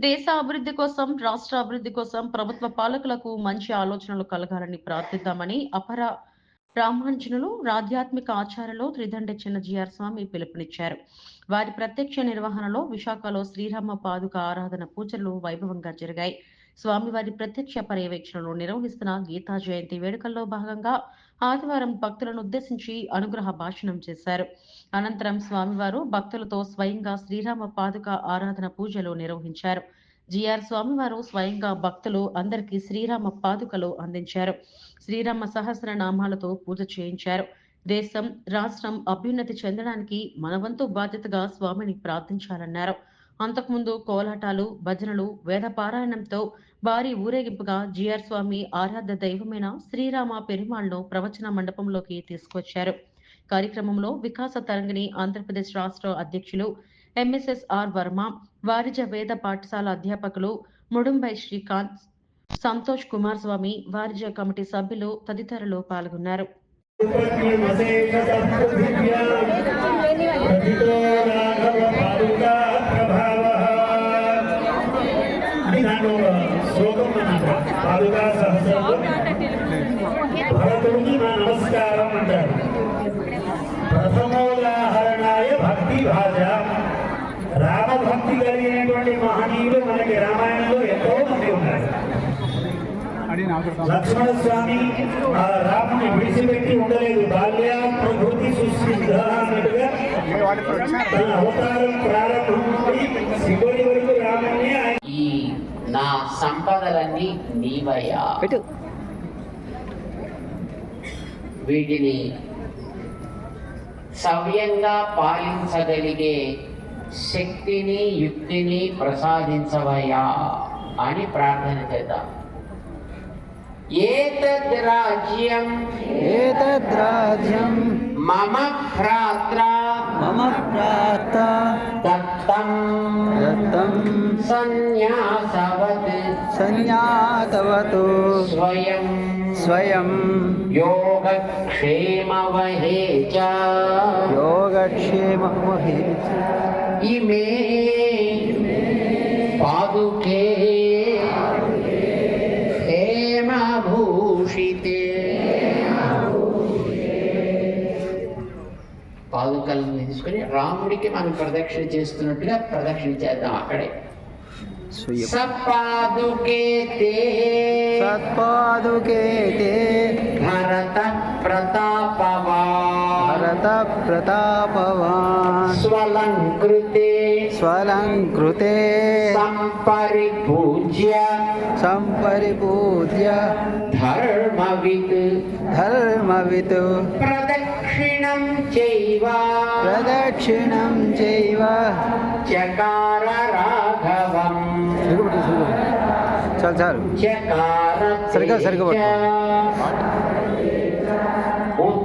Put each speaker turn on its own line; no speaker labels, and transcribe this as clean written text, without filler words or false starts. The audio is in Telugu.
దేశ అభివృద్ధి కోసం, రాష్ట్ర అభివృద్ధి కోసం ప్రభుత్వ పాలకులకు మంచి ఆలోచనలు కలగాలని ప్రార్థిద్దామని అపర బ్రాహ్మణులు ఆధ్యాత్మిక ఆచార్యులు త్రిదండ్రి చిన్న జిఆర్ స్వామి పిలుపునిచ్చారు. వారి ప్రత్యక్ష నిర్వహణలో విశాఖలో శ్రీరామ పాదుక ఆరాధన పూజలు వైభవంగా జరిగాయి. స్వామివారి ప్రత్యక్ష పర్యవేక్షణలో నిర్వహిస్తున్న గీతా జయంతి వేడుకల్లో భాగంగా ఆదివారం భక్తులను ఉద్దేశించి అనుగ్రహ భాషణం చేశారు. అనంతరం స్వామివారు భక్తులతో స్వయంగా శ్రీరామ పాదుక ఆరాధన పూజలు నిర్వహించారు. జిఆర్ స్వామివారు స్వయంగా భక్తులు అందరికీ శ్రీరామ పాదుకలు అందించారు. శ్రీరామ సహస్రనామాలతో పూజ చేయించారు. దేశం, రాష్ట్రం అభ్యున్నతి చెందడానికి మనవంతు బాధ్యతగా స్వామిని ప్రార్థించాలన్నారు. అంతకుముందు కోలాటాలు, భజనలు, వేద పారాయణంతో భారీ ఊరేగింపుగా జిఆర్ స్వామి ఆరాధ్య దైవమైన శ్రీరామ పెరుమాళ్ను ప్రవచన మండపంలోకి తీసుకొచ్చారు. కార్యక్రమంలో వికాస తరంగిణి ఆంధ్రప్రదేశ్ రాష్ట్ర అధ్యక్షులు ఎంఎస్ఎస్ఆర్ వర్మ, వారిజ వేద పాఠశాల అధ్యాపకులు ముడుంబై శ్రీకాంత్, సంతోష్ కుమార్ స్వామి, వారిజ కమిటీ సభ్యులు తదితరులు పాల్గొన్నారు.
నమస్కారం అంటారు. ప్రథమోదాహరణాయ భక్తి భాష. రామభక్తి కలిగినటువంటి మహనీయులు మనకి రామాయణంలో ఎంతో మంది ఉన్నారు. లక్ష్మణ స్వామి రాముని విడిచిపెట్టి ఉండలేదు. బాల్య ప్రకృతి సుసిద్ధ అన్నట్టుగా తన అవతారం ప్రారంభం నుండి శివుడి వరకు రాముని
ఈ నా సంపదలన్నీ నీవయ్యా, వీటిని సవ్యంగా పాలించగలిగే శక్తిని, యుక్తిని ప్రసాదించవయ్యా అని ప్రార్థన చేద్దాం. ఏతద్రాజ్యం మమ భ్రాత్ర దత్తం సన్యాసవత్ స్వయం యోగక్షేమవహే చ ఇమే పాదుకే హేమభూషితే. పాదుకలను తీసుకుని రాముడికి మనం ప్రదక్షిణ చేస్తున్నట్టుగా ప్రదక్షిణ చేద్దాం. అక్కడే సత్పాదుకే భరత ప్రతాపవాన్ స్వలంకృతే సంపరిపూజ్య ధర్మవిత్ ప్రదక్షిణం చైవ చకార రాఘవం సరిగా